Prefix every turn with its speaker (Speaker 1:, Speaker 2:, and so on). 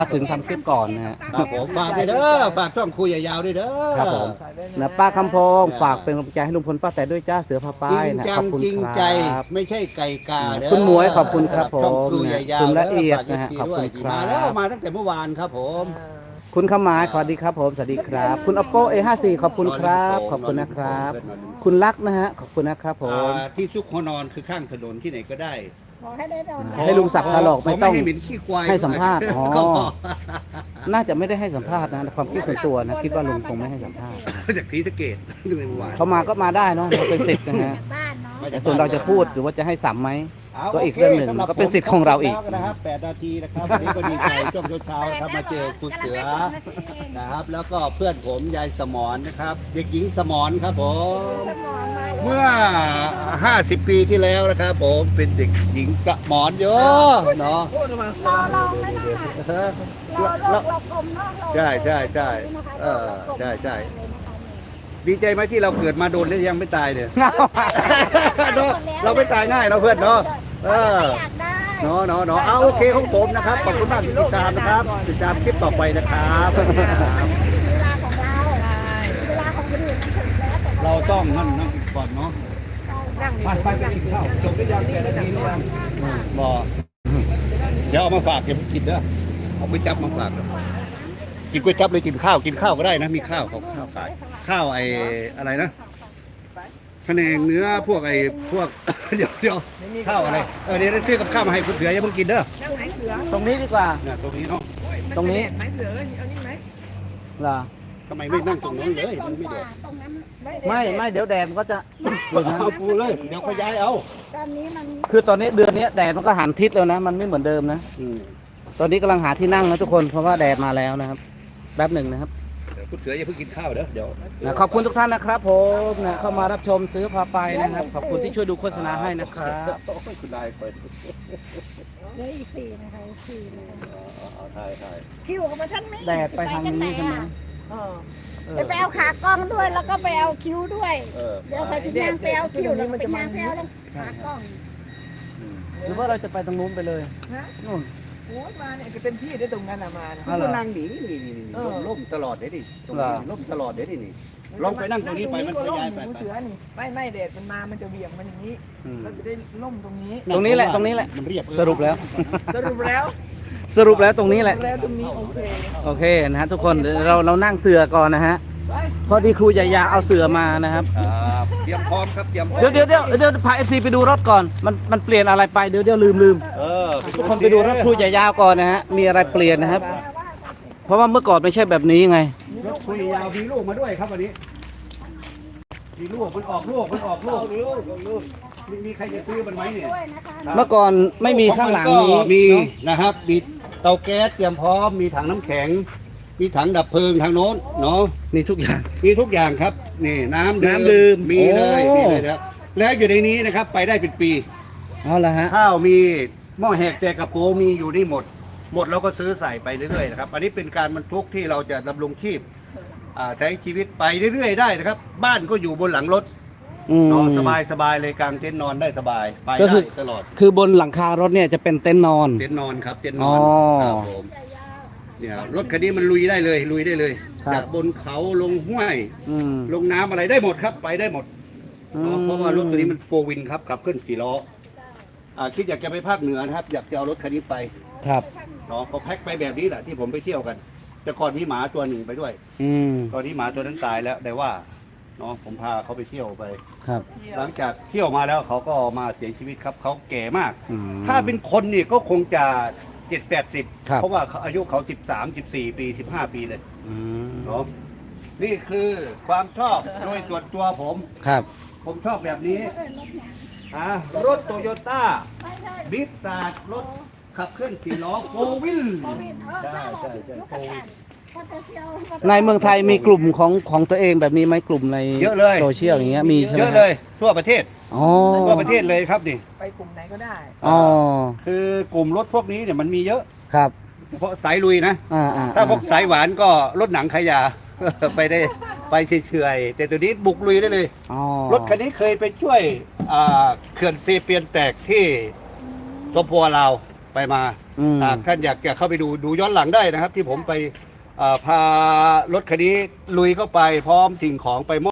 Speaker 1: ถึงทำคลิปก่อนนะฮะ
Speaker 2: ครับผมฝากด้วยเด้อฝากช่องคุยยาวๆด้วยเด้อ
Speaker 1: ครับผมนะป้าคำพงฝากเป็นกำลังใจให้ลุงพลป้าแต่ด้วยจ้าเสือพาป้า
Speaker 2: จริ
Speaker 1: ย
Speaker 2: ง
Speaker 1: นะ
Speaker 2: จั
Speaker 1: ขอบคุณ
Speaker 2: จริง
Speaker 1: ค
Speaker 2: ใจ
Speaker 1: รับ
Speaker 2: ไม่ใช่ไก่กาเด้อ
Speaker 1: คุณหมวยขอบคุณครับผม
Speaker 2: ช่องคุยยาวๆ
Speaker 1: คุณละเอียดนะฮะ
Speaker 2: ฝาก
Speaker 1: ขอบคุณครับ
Speaker 2: มาแล้วมาตั้งแต่เมื่อวานครับผม
Speaker 1: คุณขมายสวัสดีครับผมสวัสดีครับ คุณ oppo a54 ขอบคุณครับขอบคุณนะครับ คุณลักษณ์นะฮะขอบคุณนะครับผม
Speaker 2: ที่ซุกหัวนอนคือข้างถนนที่ไหนก็ได้
Speaker 3: ขอให้ได้นอน
Speaker 1: ให้ลุงศักดิ์ถลอกไม่ต้อง
Speaker 2: ให้เหม็นขี้ควาย
Speaker 1: ให้สัมภาษณ์อ๋อ
Speaker 2: ก็พอ
Speaker 1: น่าจะไม่ได้ให้สัมภาษณ์นะความคิดส่วนตัวนะคิดว่าลุงคงไม่ให้สัมภาษณ์
Speaker 2: จากทีสะเกตเมื่อวาน
Speaker 1: เขามาก็มาได้เนาะเราเป็นสิทธิ์นะฮะ
Speaker 3: บ้านเนาะ
Speaker 1: แต่ส่วนเราจะพูดหรือว่าจะให้สัมไหม ก็อีก
Speaker 2: โค
Speaker 1: เรื่องหนึ่ง
Speaker 2: สำบ
Speaker 1: ก็เป็นสิทธิ์ของเราอีก
Speaker 2: แล้วนะครับ8 นาทีนะครับวันนี้ก็ดีใจช่วงเช้าๆนะครับมาเจอคุณเสือนะครับ แล้วก็เพื่อนผมยายสมรนะครับ เด็กหญิงสมรครับผม
Speaker 3: สมองมา
Speaker 2: เมื่อ 50 ปีที่แล้วนะครับผมเป็นเด็กหญิงสมรเยอะเนาะ
Speaker 3: รอลองไม่ได้รอกลมเนาะ
Speaker 2: ใช่ใช่ใช่ใช่ใช่ดีใจไหมที่เราเกิดมาโดนแล้วยังไม่ตายเนี่ย เราไม่ตายง่ายเนาะเพื่อนเนาะ
Speaker 3: อยากได้
Speaker 2: เนาะเนาะเนาะเอาโอเคของผมนะครับขอบคุณมากที่ติดตามนะครับติดตามคลิปต่อไปนะครับ
Speaker 3: เวลาของเราเวลาของคนอื่นมันถึงแล้วแต่
Speaker 2: เราต้องนั่งก่อนเนาะ
Speaker 3: นั่ง
Speaker 2: ไปกินข้าวจบไปยัง8 นาทีหรือยังบอกเดี๋ยวเอามาฝากเก็บกินเด้อเอาก๋วยจั๊บมาฝากกินก๋วยจั๊บเลยกินข้าวก็ได้นะมีข้าวของข้าวขายข้าวไอ้อะไรนะแผนงเนื้อพวกพวก เดี๋ยวข้าวอะไรเดี๋ยวซื้อกับข้าวมาให้คุณเสืออย่าเพิ่งกินเด้อ
Speaker 1: ตรงนี้ดีกว่า
Speaker 2: เนี่ยตรงนี้เนาะ
Speaker 1: ตรงนี้เหรอ
Speaker 2: ทำไมไม่นั่งตรงนั้นเลยมันไม่เดือด
Speaker 3: ตรงนั้น
Speaker 1: ไม่เดี๋ยวแดดมันก็จะ
Speaker 2: เอาปูเลยเดี๋ยวเขาย้ายเอา
Speaker 3: ตอนนี้มัน
Speaker 1: คือตอนนี้เดือนนี้แดดมันก็หันทิศแล้วนะ มันไม่เหมือนเดิมนะ
Speaker 2: อืม
Speaker 1: ตอนนี้กำลังหาที่นั่งนะทุกคนเพราะว่าแดดมาแล้วนะครับแป๊บหนึ่งนะครับ
Speaker 2: เดี๋ยวคุณเสืออย่าเพิ่งกินข้าวเด้อเดี๋ยว
Speaker 1: นะขอบคุณทุกท่านนะครับผมนะเข้ามารับชมซื้อพาไปนะครับ ขอบคุณที่ช่วยดูโฆษณาให้นะครับ
Speaker 2: โอ้ยคุณนายเปิด
Speaker 3: เหลืออีก4นะคะ4นะคะ
Speaker 2: เอาถ่าย
Speaker 3: คิวของมันท่านไม่
Speaker 1: แดดไปทางนี้ใช่ไหม
Speaker 3: จะไปเอาขากล้องด้วยแล้วก็ไปเอาคิ้วด้วย เดี๋ยวไปที่นางไปเอาคิ้วแล้วก็ไปนางไปเอาขากล้อง
Speaker 1: หรือว่าเราจะไปตรงนู้นไปเลยนู่น
Speaker 4: โอ้ยมาเนี่ยจะเป็นที่ได้ตรงนั้นอะมานะ
Speaker 2: คุณก็นั่งหนีนี่ล่มตลอดเด้ดิตรงนี้ล่มตลอดเด้ดินี่ลองไปนั่งตรงนี้ไปมันก็ย้ายไป
Speaker 4: เสือนี่ไม่แดดมันมามันจะเบี่ยงมันอย่างนี้
Speaker 1: อืม
Speaker 4: เราจะได้ล่มตรงนี้
Speaker 1: ตรงนี้แหละตรงนี้แหละ
Speaker 2: มันเรียบ
Speaker 1: สรุปแล้ว
Speaker 4: สรุปแล้ว
Speaker 1: สรุปแล้วตรงนี้แหละ
Speaker 4: แล้วตรงนี้โอเค
Speaker 1: โอเคนะฮะทุกคนเดี๋ยวเรานั่งเสือก่อนนะฮะ
Speaker 4: ไป
Speaker 1: พอดีครูใหญ่ยาเอาเสือมานะครับ
Speaker 2: เตรียมพร้อมครับเตรียมพร้อม
Speaker 1: เดี๋ยวพาเอฟซีไปดูรถก่อนมันเปลี่ยนอะไรไปเดี๋ยวลืม ทุกคนไปดูรถครูใหญ่ยาวก่อนนะฮะมีอะไรเปลี่ยนนะครับ เพราะว่าเมื่อก่อนไม่ใช่แบบนี้ไง
Speaker 2: รถคุยยาวมีลูกมาด้วยครับวันนี้มีลูกมันออกลูกมีใครจะซื้อมันไหมเนี่ย
Speaker 3: ด้วยนะคะ
Speaker 1: เมื่อก่อนไม่มีข้างหลังนี้
Speaker 2: มี
Speaker 1: เนอะ
Speaker 2: นะครับมีเตาแก๊สเตรียมพร้อมมีถังน้ำแข็ง มีถังดับเพลิงทางโน้นเนาะ
Speaker 1: มีทุกอย่าง
Speaker 2: มีทุกอย่างครับนี่น้ำ
Speaker 1: น้ำดื่ม
Speaker 2: มีเลย
Speaker 1: โอ้
Speaker 2: มีเลยครับแล้วอยู่ในนี้นะครับไปได้เป็นปี
Speaker 1: เอาละฮะ
Speaker 2: ข้าวมีหม้อแหกแต่กระโปรงมีอยู่นี่หมดเราก็ซื้อใส่ไปเรื่อยๆนะครับอันนี้เป็นการบรรทุกที่เราจะดำรงชีพใช้ชีวิตไปเรื่อยๆได้นะครับ บ้านก็อยู่บนหลังรถ
Speaker 1: อืม
Speaker 2: นอนสบายเลยกลางเต็นท์นอนได้สบายไป
Speaker 1: ก็คื
Speaker 2: ได้
Speaker 1: อ
Speaker 2: ตลอด
Speaker 1: คือบนหลังคารถเนี่ยจะเป็นเต็นท์นอน
Speaker 2: เต็นท์นอนครับเต็นท์น
Speaker 1: อ๋
Speaker 2: อ
Speaker 1: อ
Speaker 2: นครับผมเนี่ยรถคันนี้มันลุยได้เลย
Speaker 1: ครับ
Speaker 2: จากบนเขาลงห้วย
Speaker 1: อืม
Speaker 2: ลงน้ำอะไรได้หมดครับไปได้หมด
Speaker 1: อืม
Speaker 2: เพราะว่ารถตัวนี้มันโฟวินครับขับเคลื่อน4 ล้อคิดอยากจะไปภาคเหนือนะครับ อยากจะเอารถคันนี้ไป
Speaker 1: ครับ
Speaker 2: เนาะก็แพ็คไปแบบนี้แหละที่ผมไปเที่ยวกัน แต่ก่อนมีหมาตัวหนึ่งไปด้วย
Speaker 1: อืม
Speaker 2: ตอนนี้หมาตัวนั้นตายแล้วแต่ว่าเนาะผมพาเขาไปเที่ยวไป
Speaker 1: ครับ
Speaker 2: หลังจากเที่ยวมาแล้วเขาก็มาเสียชีวิตครับเขาแก่มาก
Speaker 1: อืม
Speaker 2: ถ้าเป็นคนนี่ก็คงจะ7-80
Speaker 1: ครับ
Speaker 2: เพราะว่าเขาอายุเขา13-14 ปี15 ปีเลย
Speaker 1: อืม
Speaker 2: เนาะนี่คือความชอบโดยส่วนตัวผม
Speaker 1: ครับ
Speaker 2: ผมชอบแบบนี้รถโตโยต้าบิ๊กซาดรถขับเคลื่อน4 ล้อโฟวิลใช่โฟวิล
Speaker 1: ในเมืองไทยมีกลุ่มของตัวเองแบบนี้ไหมกลุ่มใน
Speaker 2: เยอะเลย
Speaker 1: โซเชียลอย่างเงี้ยมีใช่ไหม
Speaker 2: เยอะเลยทั่วประเทศ
Speaker 1: อ๋อ
Speaker 2: ทั่วประเทศเลยครับนี่
Speaker 4: ไปกลุ่มไหนก็ได้
Speaker 1: อ๋อ
Speaker 2: คือกลุ่มรถพวกนี้เนี่ยมันมีเยอะ
Speaker 1: ครับ
Speaker 2: เพราะสายลุยนะ
Speaker 1: อ่า
Speaker 2: ถ้าพวกสายหวานก็รถหนังขยะ ไปได้ไปเฉยๆแต่ตัวนี้บุกลุยได้เลย
Speaker 1: อ๋อ
Speaker 2: รถคันนี้เคยไปช่วยเขื่อนเซเปียนแตกที่สปปลาวไปมา
Speaker 1: อืม
Speaker 2: ท่านอยากจะเข้าไปดูย้อนหลังได้นะครับ ที่ผมไปพารถคันนี้ลุยเข้าไปพร้อมสิ่งของไปมอบ